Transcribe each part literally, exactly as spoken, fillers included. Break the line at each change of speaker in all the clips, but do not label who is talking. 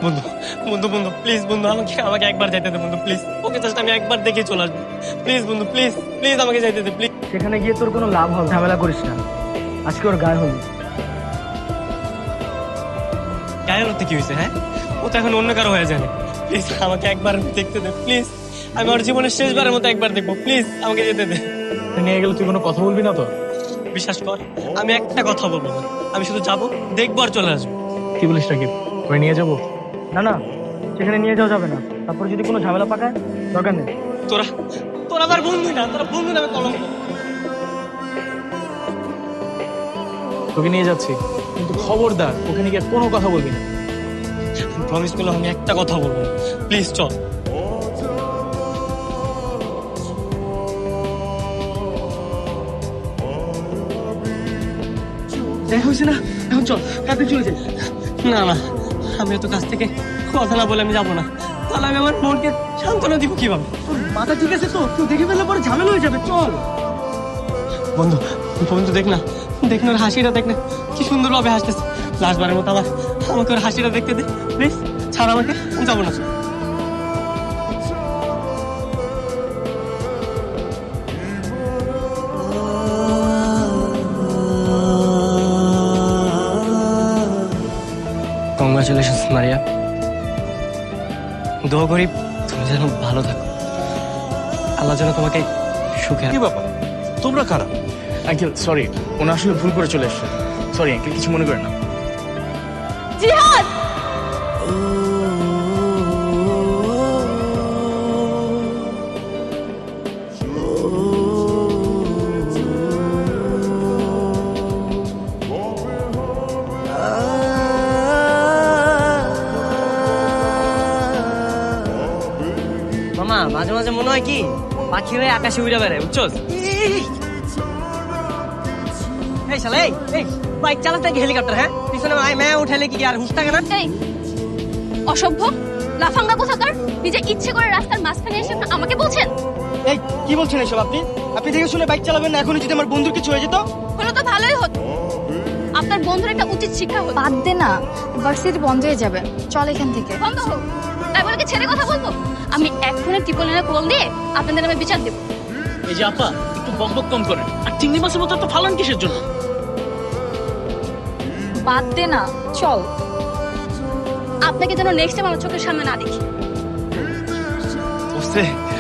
বন্ধু বন্ধু বন্ধু প্লিজ বন্ধু আমাকে আমাকে একবার যাইতে দে বন্ধু প্লিজ ওকে জাস্ট আমি একবার দেখে চলে আসবো প্লিজ বন্ধু প্লিজ প্লিজ আমাকে যাইতে দে প্লিজ।
সেখানে গিয়ে তোর কোনো লাভ হবে, ঝামেলা করিস না। আজকে ওর গায়ে হলুদ।
গায়ে হতে কি হয়েছে? হ্যাঁ, ও তো এখন অন্য কারো হয়ে যাবে। প্লিজ আমাকে একবার দেখতে দে প্লিজ, আমি ওর জীবনের শেষবারের মতো একবার দেখবো প্লিজ আমাকে যেতে দে।
নিয়ে গেলে তুই কোনো কথা বলবি না তো?
বিশ্বাস কর আমি একটা কথা বলবো না, আমি শুধু যাবো দেখবো আর চলে আসবো।
কি বলিস রাকিব, ওরে নিয়ে যাবো? না না, সেখানে নিয়ে যাওয়া যাবে না। তারপর যদি কোনো ঝামেলা পাকায়, দরকার নেই।
তোরা তোরা আমার বন্ধু না, তোরা বন্ধু নামে কলঙ্ক।
তোকে নিয়ে যাচ্ছি, কিন্তু খবরদার ওখানে গিয়ে কোনো কথা বলবি না।
প্রমিস করলাম আমি একটা কথা বলবো, প্লিজ চল।
দেখা হয়েছে না, এখন চল কাছে চলে যাই।
না না, আমি তো কাছ থেকে কথা না বলে আমি যাবো না, তাহলে আমি আমার মনকে সান্ত্বনা দিব কিভাবে?
তোর মাথা ঠিক আছে তো? তুই দেখে ফেললে পরে ঝামেলা হয়ে যাবে। চল
বন্ধু বন্ধু দেখ না, দেখ না ওর হাসিটা, দেখ না কি সুন্দর ভাবে হাসতেছে। লাস্টবারের মতো আমার আমাকে ওর হাসিটা দেখতে দে প্লিজ, ছাড় আমাকে, আমি যাবো না। কংগ্রাচুলেশনস মারিয়া, দোয়া করি তুমি যেন ভালো থাকো, আল্লাহ যেন তোমাকে সুখে।
কি বাবা, তোমরা কারা?
আঙ্কেল সরি, ওনা আসলে ভুল করে চলে এসছে। সরি আঙ্কেল, কিছু মনে করেন না।
জিহাদ!
মামা মাঝে মাঝে মনে হয় কি পাখি হয়ে আকাশে উড়ে বেড়ায়, বুঝছোস? এই শালা এই এই বাইক চালাতে কি হেলিকপ্টার? হ্যাঁ, পিছনে আই ম্যা উঠালে কি আর হুঁশ থাকে না?
এই অসভ্য লাফাঙ্গা কোথাকার! নিজে ইচ্ছে করে রাস্তার মাঝখানে এসে আমাকে বলছেন?
এই কি বলছেন এসব আপনি? আপনি দেখে শুনে বাইক চালাবেন না। এখনই যদি আমার বন্ধুর কিছু হয়ে যেত?
হলো তো ভালোই হতো। আপনার বন্ধুর একটা উচিত শিক্ষা হতো।
বাদ দে না, ভার্সিটি বন্ধ হয়ে যাবে। চল এখান থেকে।
বন্ধ হোক, তাই বলে কি ছেড়ে কথা বলবো? আমি এক্ষুনি টিপলিনে কল দিয়ে আপনাদের নামে বিচার দেবো।
এই যে আপা, একটু বকবক কম করেন। আর চিংড়ি মাছের মতো তো ফালান কিসের জন্য?
বাদ দে না, চল।
আপনাকে যেন নেক্সট টাইম আমার চোখের সামনে না দেখি।
বুঝতে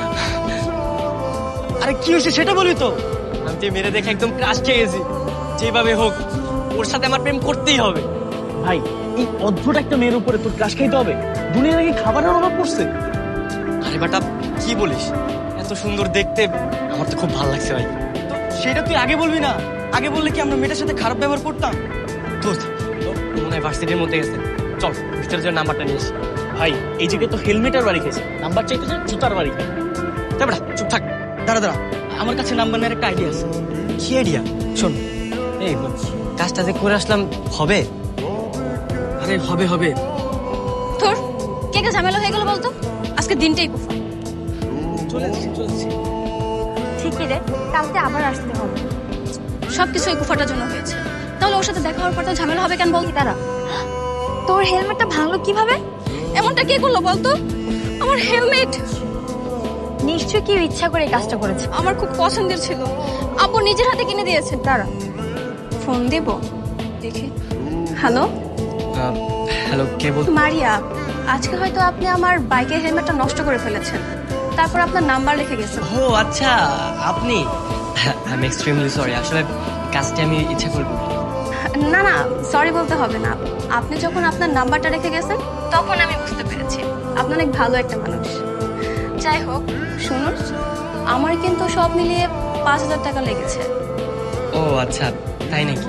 আরে কি হয়েছে সেটা বলি তো।
আমি তো মেরে দেখে একদম ক্রাশ খেয়ে গেছি। যেভাবে হোক ওর সাথে আমার প্রেম করতেই হবে।
ভাই, এই অদ্ভুত একটা মেয়ের উপরে তোর ক্রাশ খাইতে হবে? দুনিয়া নাকি খাবারের অভাব পড়ছে?
আরে বেটা কি বলিস, এত সুন্দর দেখতে, আমার তো খুব ভালো লাগছে ভাই।
সেটা তুই আগে বলবি না? আগে বললে কি আমরা মেয়েটার সাথে খারাপ ব্যবহার করতাম?
দোস্ত তোর মনে হয় ভার্সিটির মধ্যে গেছে, চল ভিতরে যে নাম্বারটা নিয়ে আসি।
ভাই, এই জায়গায় তো হেলমেটের বাড়ি খেয়েছে, নাম্বার চাইতে চাই জুতার বাড়ি খায়।
তাই বেটা চুপ থাক।
দাঁড়া দাঁড়া, আমার কাছে নাম্বার নেওয়ার একটা আইডিয়া আছে।
কি আইডিয়া? শোন, এই কাজটা যে করে আসলাম হবে?
আরে হবে হবে।
তোর কে কে ঝামেলা হয়ে গেল বলতো? আজকে দিনটাই কুফা।
চলে যাচ্ছি চলে যাচ্ছি।
ঠিকই রে, কালকে আবার আসতে হবে।
সবকিছু এই কুফাটার জন্য হয়েছে। তাহলে ওর সাথে দেখা হওয়ার পর তো ঝামেলা হবে কেন বল?
দাঁড়া, তোর হেলমেটটা ভাঙলো কিভাবে?
এমনটা কে করলো বলতো? আমার হেলমেট
নিশ্চয়ই কেউ ইচ্ছা করে এই কাজটা করেছে।
আমার খুব পছন্দের ছিল, আব্বু নিজের হাতে কিনে দিয়েছে।
দাঁড়া, ফোন দেব।
দেখি। হ্যালো
হ্যালো, কে বল?
মারিয়া, আজকে হয়তো আপনি আমার বাইকের হেলমেটটা নষ্ট করে ফেলেছেন, তারপর আপনার নাম্বার লিখে গেছেন।
ও আচ্ছা, আপনি? আই এম এক্সট্রিমলি সরি, আসলে কাজটি আমি ইচ্ছা করে করি।
না না, সরি বলতে হবে না। আপনি যখন আপনার নাম্বারটা রেখে গেছেন তখন আমি বুঝতে পেরেছি আপনি অনেক ভালো একটা মানুষ। যাই হোক, শুনুন, আমার কিন্তু সব মিলিয়ে পাঁচ হাজার টাকা লেগেছে।
ও আচ্ছা, তাই নাকি?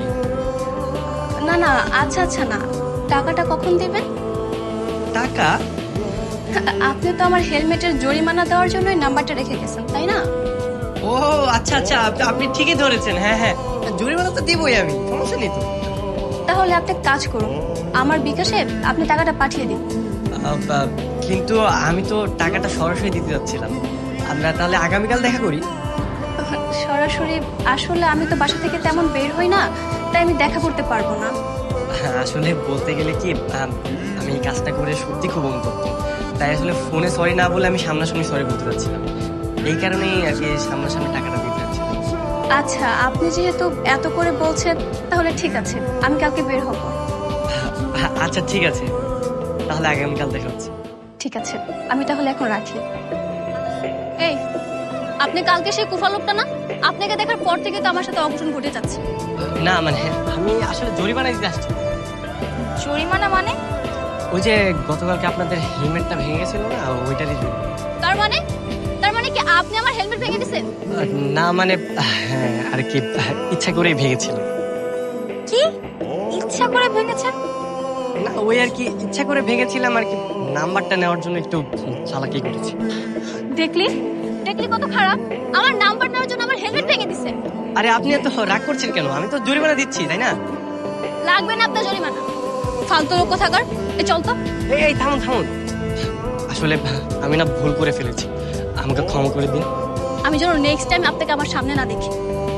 না না, আচ্ছা আচ্ছা না, টাকাটা কখন দেবেন?
টাকা?
আপনি তো আমার হেলমেটের জরিমানা দেওয়ার জন্যই নাম্বারটা রেখে গেছেন, তাই না?
ও আচ্ছা আচ্ছা, আপ- আপনি ঠিকই ধরেছেন। হ্যাঁ হ্যাঁ, জরিমানা তো দিবই আমি, সমস্যা নেই তো।
তাহলে আপনি এক কাজ করুন, আমার বিকাশে আপনি টাকাটা পাঠিয়ে দিন।
আহ, আহ, কিন্তু আমি তো টাকাটা সরাসরি দিতে যাচ্ছিলাম। আমরা তাহলে আগামীকাল দেখা করি।
সরাসরি? আসলে আমি তো বাসা থেকে তেমন বের হই না, তাই আমি দেখা করতে পারবো না।
আসলে বলতে গেলে কি, আহ, আমি আমি এই কাজটা করে সত্যি খুব অনুতপ্ত। তাই আসলে ফোনে সরি না বলে আমি সামনাসামনি সরি বলতে চাচ্ছিলাম। এই কারণেই আর কি সামনাসামনি টাকাটা দিতে চাচ্ছিলাম।
আচ্ছা, আপনি যেহেতু এত করে বলছেন তাহলে ঠিক আছে, আমি কালকে বের হব।
আ- আচ্ছা ঠিক আছে, তাহলে আগামীকাল দেখা হচ্ছে।
ঠিক আছে, আমি তাহলে এখন রাখি। এই, আপনি কালকে সেই কুফা লোকটা না? আপনাকে দেখার পর থেকে তো আমার সাথে অঘটন ঘটে যাচ্ছে।
না মানে আমি আসলে জরিমানা দিতে আসছি।
জরিমানা মানে?
ওই যে গতকালকে আপনাদের হেলমেটটা ভেঙে গেছিল না, ওইটারই জরিমানা।
তার মানে তার মানে কি আপনি আমার হেলমেট ভেঙে দিয়েছেন?
না মানে হ্যাঁ আর কি, ইচ্ছা করেই ভেঙেছিল।
কি ইচ্ছা করে ভেঙেছেন?
না ওই আর কি ইচ্ছা করে ভেঙেছিলাম আর কি, নাম্বারটা নেওয়ার জন্য একটু চালাকি করেছি।
দেখলি দেখলি কত খারাপ, আমার নাম্বার নেওয়ার জন্য আমার হেলমেট ভেঙে দিছে।
আরে আপনি এত রাগ করছেন কেন? আমি তো জরিমানা দিচ্ছি তাই না?
লাগবে না আপনার জরিমানা, ফালতু লোক কোথাকার। এ চল তো।
এই এই থামুন থামুন, আসলে আমি না ভুল করে ফেলেছি, আমাকে ক্ষমা করে দিন।
আমি যেন নেক্সট টাইম আপনাকে আমার সামনে না দেখি।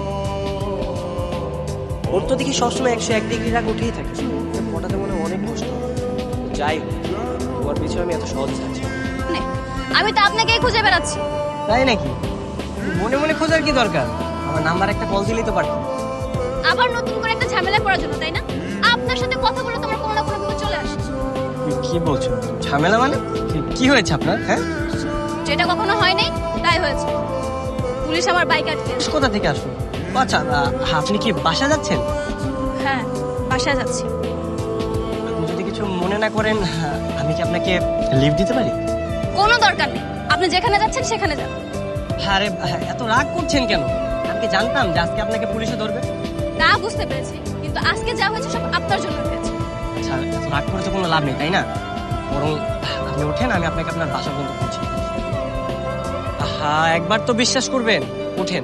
ওর তো দেখি সবসময় একশো এক ডিগ্রি রাগ উঠেই থাকে, ওটাতে মনে হয় অনেক কষ্ট হয়। যাই হোক, তোমার পিছনে আমি এত সহজে থাকছি।
নে, আমি তো আপনাকেই খুঁজে বেড়াচ্ছি।
তাই নাকি? মনে মনে খোঁজার কি দরকার? আমার নাম্বার একটা কল দিলেই তো পারতাম।
আবার নতুন করে একটা ঝামেলা করার জন্য, তাই না? আপনার সাথে কথা বলে তোমার কোনো না কোনো বিপদ চলে আসে।
কি বলছো? ঝামেলা মানে কি- কি হয়েছে আপনার? হ্যাঁ,
যেটা কখনো হয় নাই তাই হয়েছে। পুলিশ আমার বাইক আটকে।
কোথা থেকে আসলো? ও আচ্ছা, আ- আপনি কি বাসা যাচ্ছেন?
হ্যাঁ, বাসায় যাচ্ছি।
আপনি যদি কিছু মনে না করেন, আমি কি আপনাকে লিভ দিতে পারি?
কোনো দরকার নেই, আপনি যেখানে যাচ্ছেন সেখানে যান।
আরে এত রাগ করছেন কেন? আমি কি জানতাম যে আজকে আপনাকে পুলিশে ধরবে?
তা বুঝতে পেরেছি, কিন্তু আজকে যা হয়েছে সব আপনার জন্য হয়েছে।
আচ্ছা, এত রাগ করে তো কোনো লাভ নেই তাই না? বরং আপনি ওঠেন, আমি আপনাকে আপনার বাসা পর্যন্ত পৌঁছে দিই। আহা, একবার তো বিশ্বাস করবেন, ওঠেন।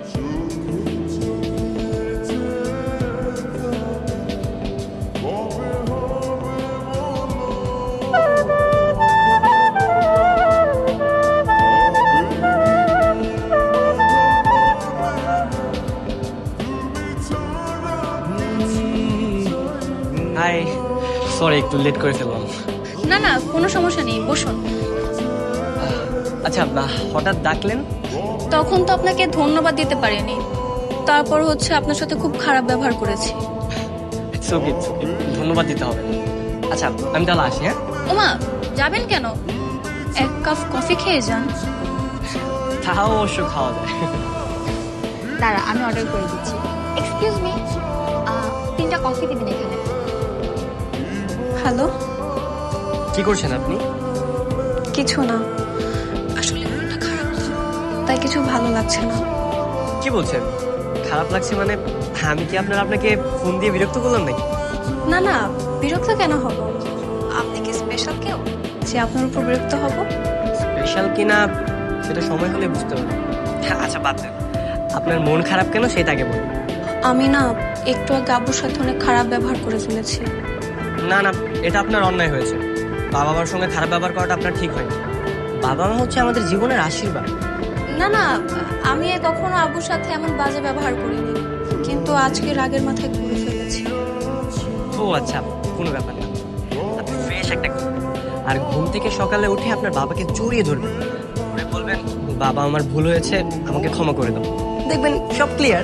হাই, সরি একটু লেট করে ফেললাম।
না না, কোনো সমস্যা নেই, বসুন।
আচ্ছা, আহ, হঠাৎ ডাকলেন?
তখন তো আপনাকে ধন্যবাদ দিতে পারিনি, তারপর হচ্ছে আপনার সাথে খুব খারাপ ব্যবহার করেছি।
It's okay, it's okay. ধন্যবাদ দিতে হবে না। আচ্ছা, আমি তাহলে আসি। হ্যাঁ,
ওমা, যাবেন কেন? এক কাপ কফি খেয়ে যান।
তাও অবশ্য খাওয়া যায়।
দাঁড়া, আমি অর্ডার করে দিচ্ছি। এক্সকিউজ মি, তিনটা কফি দিবেন এখানে।
হ্যালো,
কি করছেন আপনি?
কিছু না, আসলে মনটা খারাপ তো, তাই কিছু ভালো লাগছে না।
কি বলছেন? খারাপ লাগছে মানে? আমি কি আপনার আপনাকে ফোন দিয়ে বিরক্ত করলাম নাকি?
না না, বিরক্ত কেন হব? আপনি কি স্পেশাল কেউ যে আপনার উপর বিরক্ত হব?
স্পেশাল কিনা সেটা সময় হলে বুঝতে পারবো। হ্যাঁ, আচ্ছা বাদ দেন, আপনার মন খারাপ কেন সেটা আগে বলুন।
আমি না একটু আগে আব্বুর সাথে অনেক খারাপ ব্যবহার করে ফেলেছি।
না না, এটা আপনার অন্যায় হয়েছে। বাবা মার সঙ্গে খারাপ ব্যবহার করাটা আপনার ঠিক হয়নি। বাবা মা হচ্ছে আমাদের জীবনের আশীর্বাদ।
না না, আমি কখনো আব্বুর সাথে এমন বাজে ব্যবহার করিনি, কিন্তু আজকে রাগের মাথায় করে ফেলেছি।
ও আচ্ছা, কোনো ব্যাপার না। আপনি ফ্রেশ একটা ঘুম, আর ঘুম থেকে সকালে উঠে আপনার বাবাকে জড়িয়ে ধরবেন, ধরে বলবেন, বাবা আমার ভুল হয়েছে, আমাকে ক্ষমা করে দাও। দেখবেন সব ক্লিয়ার।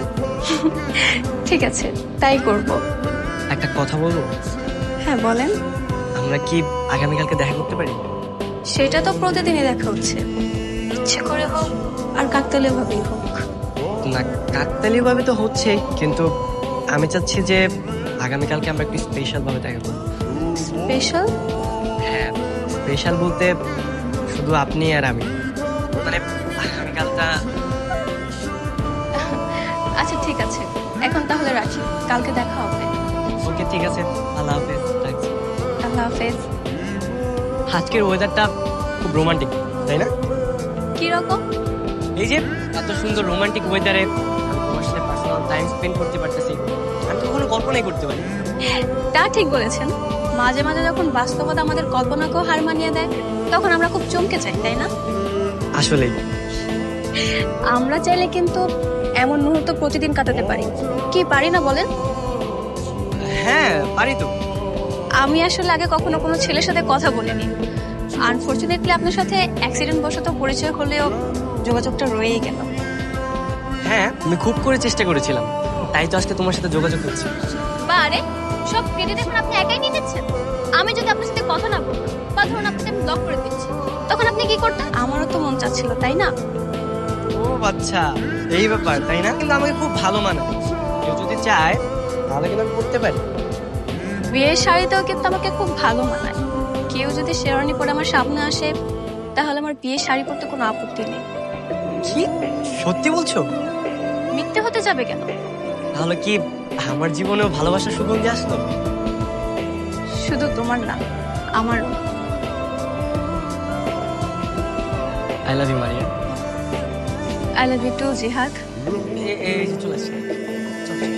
ঠিক আছে, তাই করব।
একটা কথা বলবো?
হ্যাঁ বলেন।
আমরা কি আগামীকালকে দেখা করতে পারি?
সেটা তো প্রতিদিনই দেখা হচ্ছে, ইচ্ছে করে হোক আর কাকতালীয় ভাবেই হোক।
না, কাকতালীয় ভাবে তো হচ্ছে, কিন্তু আমি চাচ্ছি যে আগামীকালকে আমরা একটু স্পেশাল ভাবে দেখা করবো।
স্পেশাল?
হ্যাঁ, স্পেশাল বলতে শুধু আপনি আর আমি, মানে আগামীকালটা।
আচ্ছা ঠিক আছে, এখন তাহলে রাখি, কালকে দেখা হবে।
ওকে ঠিক আছে, আল্লাহ হাফেজ, রাখছি।
আল্লাহ হাফেজ।
আজকের ওয়েদারটা খুব রোমান্টিক তাই না?
কি রকম?
এই যে এত সুন্দর রোমান্টিক ওয়েদারে আমি তোমার সাথে পার্সোনাল টাইম স্পেন্ড করতে পারতেছি, আমি তো কখনো কল্পনাই করতে পারি।
তা ঠিক বলেছেন, মাঝে মাঝে যখন বাস্তবতা আমাদের কল্পনাকেও হার মানিয়ে দেয়, তখন আমরা খুব চমকে যাই, তাই না?
আসলেই
আমরা চাইলে কিন্তু এমন মুহূর্ত প্রতিদিন কাটাতে পারি, কি পারি না বলেন?
হ্যাঁ পারি তো।
আমি আসলে আগে কখনো কোনো ছেলের সাথে কথা বলিনি। আনফরচুনেটলি আপনার সাথে অ্যাক্সিডেন্ট বশত পরিচয় হলেও যোগাযোগটা রয়েই গেল।
হ্যাঁ, আমি খুব করে চেষ্টা করেছিলাম, তাই তো আজকে তোমার সাথে যোগাযোগ করছি।
বা আরে সব ক্রেডিট এখন আপনি একাই নিয়ে নিচ্ছেন। আমি যদি আপনার সাথে কথা না বলতাম বা ধরুন আপনাকে আমি ব্লক করে দিচ্ছি, তখন আপনি কি করতেন?
আমারও তো মন চাচ্ছিল, তাই না?
ও আচ্ছা, এই ব্যাপার তাই না? কিন্তু আমাকে খুব ভালো মানায়, কেউ যদি চায় তাহলে কিন্তু আমি করতে পারি।
বিয়ের শাড়িতেও কিন্তু আমাকে খুব ভালো মানায়। কেউ যদি শেরওয়ানি পরে আমার সামনে আসে তাহলে আমার বিয়ের শাড়ি পরতে কোনো আপত্তি নেই।
কি সত্যি বলছো?
মিথ্যে হতে যাবে কেন?
তাহলে কি আমার জীবনেও ভালোবাসার সুগন্ধি আসলো?
শুধু তোমার না, আমারও।
I love you Maria.
I love you too Jihad.
এ- এই যে চলে আসছে। চল, চল।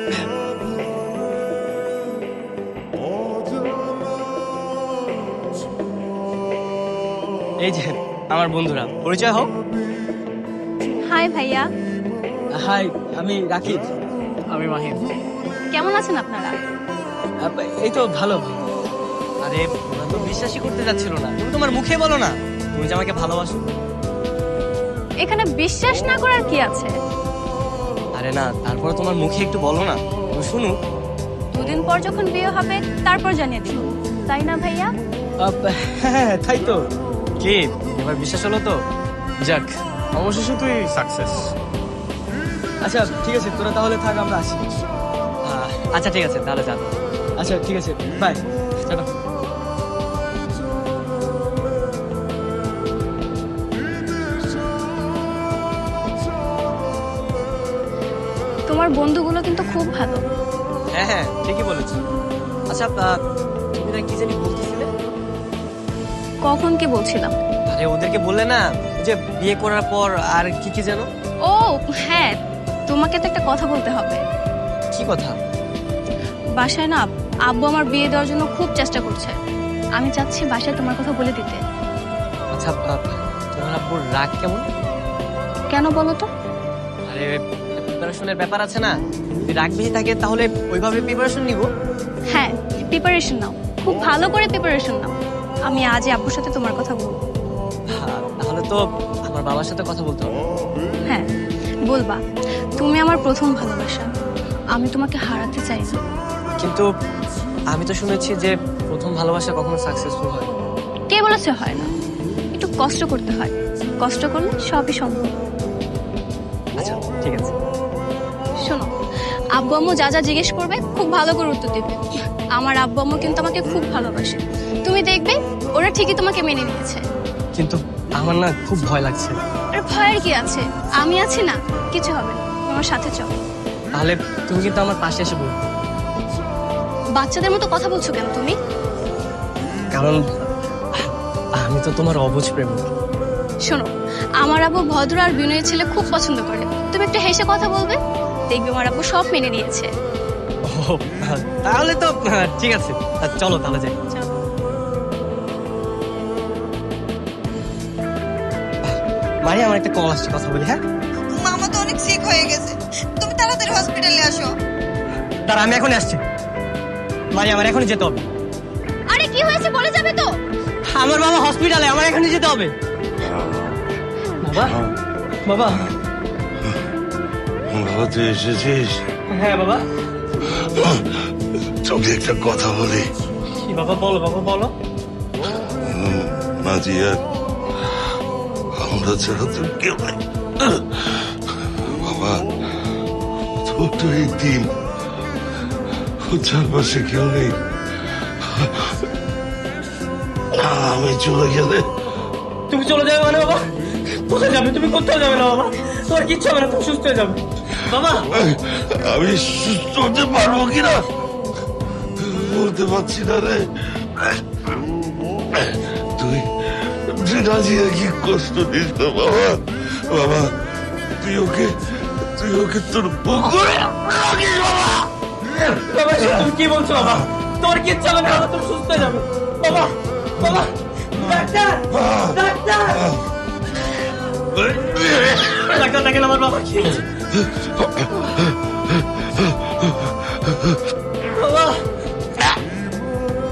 এই যে আমার বন্ধুরা, পরিচয় হোক।
হাই ভাইয়া,
হাই, আমি রাকিব। আমি মাহিম।
কেমন আছেন আপনারা?
এই তো ভালো।
আরে ওরা তো বিশ্বাসই করতে যাচ্ছিল না, তুমি তোমার মুখে বলো না তুমি যে আমাকে ভালোবাসো।
এখানে বিশ্বাস না করার কি আছে?
আরে না, তারপরে তোমার মুখে একটু বলো না, ও শুনু।
দুদিন পর যখন বিয়ে হবে তারপর জানিয়ে দিব, তাই না ভাইয়া?
হ্যাঁ, তাই তো।
কি এবার বিশ্বাস হলো তো?
যাক, অবশেষে তুই সাকসেস। আচ্ছা ঠিক আছে, তোরা তাহলে থাক, আমরা আসি।
আহ, আচ্ছা ঠিক আছে, তাহলে যাবো।
আচ্ছা ঠিক আছে, বাই।
চলো।
তোমার বন্ধুগুলো কিন্তু খুব ভালো।
হ্যাঁ হ্যাঁ, ঠিকই বলেছো। আচ্ছা আহ, তুমি না কি জানি বলতেছিলে?
কখন কি বলছিলাম?
আরে ওদেরকে বললে না যে বিয়ে করার পর আর কি কি যেন?
ও হ্যাঁ, তোমাকে তো একটা কথা বলতে হবে।
কি কথা?
বাসায় না আব্বু আমার বিয়ে দেওয়ার জন্য খুব চেষ্টা করছে। আমি চাচ্ছি বাসায় তোমার কথা বলে দিতে।
আচ্ছা আহ, তোমার আব্বুর রাগ কেমন?
কেন বলো তো?
আরে প্রিপারেশনের ব্যাপার আছে না, যদি রাগ বেশি থাকে তাহলে ওইভাবে প্রিপারেশন নিব।
হ্যাঁ, প্রিপারেশন নাও, খুব ভালো করে প্রিপারেশন নাও। আমি আজই আব্বুর সাথে তোমার কথা বলবো।
হ্যাঁ, তাহলে তো আমার বাবার সাথে কথা বলতে হবে।
হ্যাঁ বলবা, তুমি আমার প্রথম ভালোবাসা, আমি তোমাকে হারাতে চাই না।
কিন্তু আমি তো শুনেছি যে প্রথম ভালোবাসা কখনো সাকসেসফুল হয় না।
কে বলেছে হয় না? একটু কষ্ট করতে হয়, কষ্ট করলে সবই সম্ভব।
আচ্ছা ঠিক আছে।
শোনো, আব্বু আম্মু যা যা জিজ্ঞেস করবে খুব ভালো করে উত্তর দিবে। আমার আব্বু আম্মু কিন্তু আমাকে খুব ভালোবাসে, তুমি দেখবে ওরা ঠিকই তোমাকে মেনে নিয়েছে।
কিন্তু আমার না খুব ভয় লাগছে।
আর ভয়ের কি আছে, আমি আছি না, কিছু হবে না, তুমি আমার সাথে চলো।
তাহলে তুমি কিন্তু আমার পাশে এসে বলবে।
বাচ্চাদের মতো কথা বলছো কেন তুমি?
কারণ আমি তো তোমার অবুঝ প্রেমিক।
শোনো, আমার আব্বু ভদ্র আর বিনয়ী ছেলে খুব পছন্দ করে, তুমি একটু হেসে কথা বলবে, দেখবে আমার আব্বু সব মেনে নিয়েছে।
ও তাহলে তো আহ, ঠিক আছে, আহ, চলো তাহলে যাই।
চলো।
মারি, আমার একটা কল আসছে, কথা বলি। হ্যাঁ
মামা তো অনেক সিক হয়ে গেছে, তুমি তাড়াতাড়ি হসপিটালে আসো।
তার আমি এখন আসছি। মারি, আমার এখনই যেতে হবে।
আরে কি হয়েছে বলে যাবে তো?
আমার বাবা হসপিটালে, আমার এখনই যেতে হবে।
বাবা, বাবা।
বাবা তুই এসেছিস?
হ্যাঁ বাবা।
তোকে একটা কথা বলি।
কি বাবা, বলো বাবা, বলো।
নাজিয়া, আমরা ছাড়া তোর কেউ নেই বাবা। তোর তো এই দিন, ওর চারপাশে কেউ নেই। আমি চলে গেলে
তুমি চলে যাবে মানে বাবা? কোথায় যাবে? তুমি কোথাও যাবে না বাবা, তোমার কিচ্ছু হবে না, তুমি সুস্থ হয়ে যাবে বাবা।
আমি সুস্থ হতে পারবো কিনা বলতে পারছি না রে। তুই তুই নাজিয়া কি কষ্ট দিস না বাবা। বাবা তুই ওকে তুই ওকে তোর পুকুরে রাখিস বাবা।
বাবা সে তুমি কি বলছো বাবা? তোমার কিচ্ছু হবে না বাবা, তুমি সুস্থ হয়ে যাবে বাবা। বাবা, ডাক্তার, ডাক্তার, ডাক্তার দেখেন আমার বাবা কি হয়েছে? বাবা,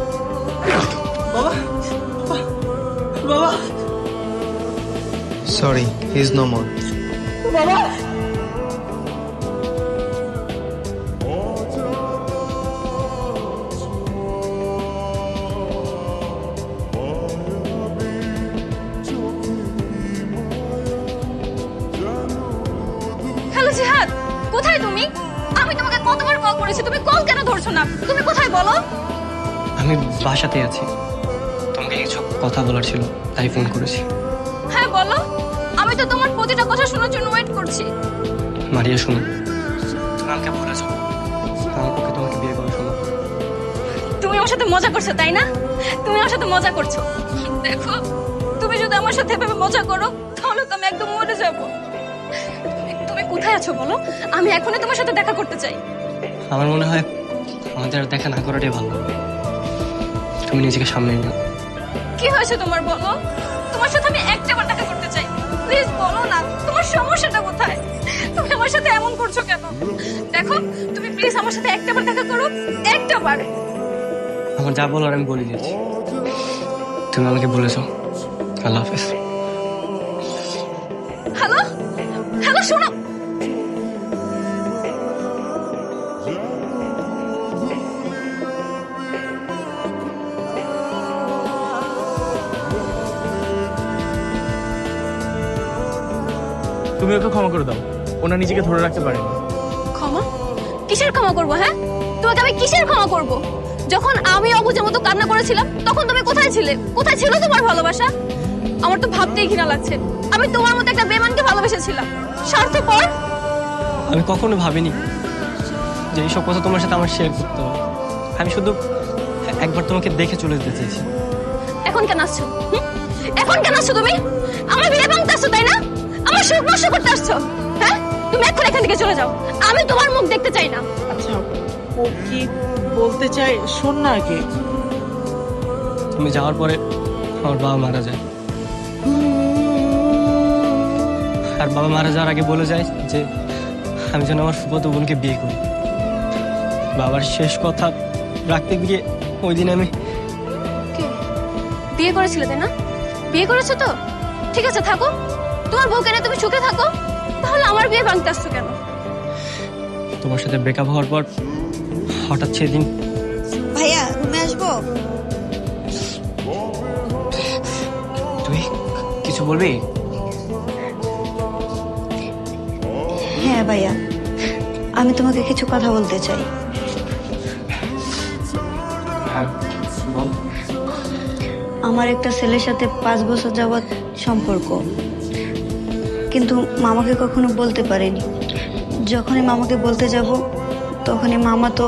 Sorry, he's no more.
বাবা
হ্যালো জিহাদ, কোথায় তুমি? আমি তোমাকে কতবার কল করেছি, তুমি কল কেন ধরছো না? তুমি কোথায় বলো?
আমি বাসাতে আছি, তোমাকে কিছু কথা বলার ছিল তাই ফোন করেছি।
হ্যাঁ বলো, আমি তো তোমার প্রতিটা কথা শোনার জন্য ওয়েট করছি।
মারিয়া শোনো, তুমি আমাকে বলেছো আমার পক্ষে তোমাকে বিয়ে করা সম্ভব।
তুমি আমার সাথে মজা করছো তাই না? তুমি আমার সাথে মজা করছো। দেখো, তুমি যদি আমার সাথে এভাবে মজা করো তাহলে তো আমি একদম মরে যাব। তুমি- তুমি কোথায় আছো বলো, আমি এখনই তোমার সাথে দেখা করতে চাই।
আমার মনে হয় আমাদের আর দেখা না করাটাই ভালো। তুমি নিজেকে সামনে নিও।
কি হয়েছে তোমার বলো? তোমার সাথে আমি একটাবার দেখা করতে চাই, প্লিজ বলো না তোমার সমস্যাটা কোথায়? তুমি আমার সাথে এমন করছো কেন? দেখো, তুমি প্লিজ আমার সাথে একটাবার দেখা করো, একটাবার।
আমার যা বলার আমি বলে দিয়েছি, তুমি আমাকে বলেছো। আল্লাহ হাফেজ।
হ্যালো হ্যালো, শোনো।
তুমি ওকে ক্ষমা করে দাও, ওনা নিজেকে ধরে রাখতে পারেনি।
ক্ষমা? কিসের ক্ষমা করবো? হ্যাঁ, তোমাকে আমি কিসের ক্ষমা করব? যখন আমি অবুঝের মতো কান্না করেছিলাম তখন তুমি কোথায় ছিলে? কোথায় ছিল তোমার ভালোবাসা? আমার তো ভাবতেই ঘৃণা লাগছে, আমি তোমার মতো একটা বেমানকে ভালোবেসেছিলাম। স্বার্থপর।
আমি কখনো ভাবিনি যে এইসব কথা তোমার সাথে আমার শেয়ার করতে হবে। আমি শুধু একবার তোমাকে দেখে চলে যেতে চেয়েছি।
এখন কেন আসছো? হুম? এখন কেন আসছো তুমি? আমার বিয়ে ভাঙতে আসছো তাই না? আমার সুখ নষ্ট করতে আসছো? হ্যাঁ, তুমি এখন এখান থেকে চলে যাও, আমি তোমার মুখ দেখতে চাই না।
আচ্ছা, ও কি বলতে চায় শোন না আগে।
তুমি যাওয়ার পরে আমার বাবা মারা যায়, আর বাবা মারা যাওয়ার আগে বলে যায় যে আমি যেন আমার ফুফাতো বোনকে বিয়ে করি। বাবার শেষ কথা রাখতে গিয়ে ওই দিন আমি
কে? বিয়ে করেছিলে তাই না? বিয়ে করেছো তো? ঠিক আছে, থাকো, তোমার বউ কেন, তুমি সুখে থাকো। তাহলে আমার বিয়ে ভাঙতে আসছো কেন?
তোমার সাথে ব্রেকআপ হওয়ার পর হঠাৎ সেদিন
ভাইয়া রুমে আসবো?
তুই কিছু বলবি?
হ্যাঁ ভাইয়া, আমি তোমাকে কিছু কথা বলতে চাই।
হ্যাঁ বল।
আমার একটা ছেলের সাথে পাঁচ বছর যাবৎ সম্পর্ক, কিন্তু মামাকে কখনো বলতে পারিনি। যখনই মামাকে বলতে যাব তখনই মামা তো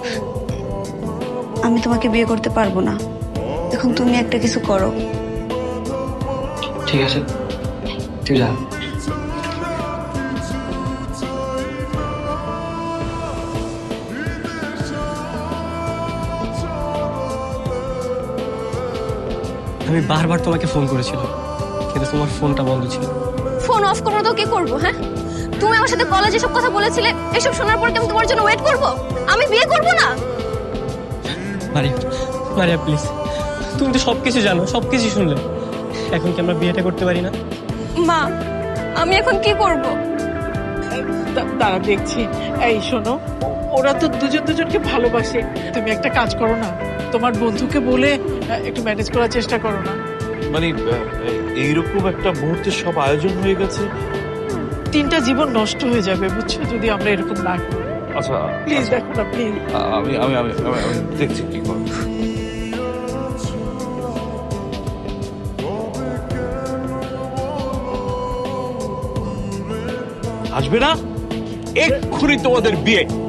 আমি তোমাকে বিয়ে করতে পারবো না। এখন তুমি একটা কিছু করো।
ঠিক আছে, তুই যা। আমি বারবার তোমাকে ফোন করেছিলাম কিন্তু তোমার ফোনটা বন্ধ ছিল।
ফোন অফ করবো তো কি করবো? হ্যাঁ, তুমি আমার সাথে কলেজে সব কথা বলেছিলে, এসব শোনার পর কি আমি তোমার জন্য ওয়েট করব? আমি বিয়ে করব না।
মারিয়া, মারিয়া প্লিজ, তুমি তো সবকিছু জানো, সবকিছু শুনলে, এখন কি আমরা বিয়েটা করতে পারি না?
মা, আমি এখন কি করব?
দা- দাঁড়া দেখছি। এই শোনো, ও- ওরা তো দুজন দুজনকে ভালোবাসে। তুমি একটা কাজ করো না, তোমার বন্ধুকে বলে আহ, একটু ম্যানেজ করার চেষ্টা করো না।
মানে আহ, এইরকম একটা মুহূর্তে সব আয়োজন হয়ে গেছে।
তিনটা জীবন নষ্ট হয়ে যাবে বুঝছো যদি আমরা এরকম না করি।
আচ্ছা
প্লিজ দেখো না, প্লিজ।
আমি আমি আমি আমি- আমি দেখছি কি করব। আসবে না, এক্ষুনি তোমাদের বিয়ে।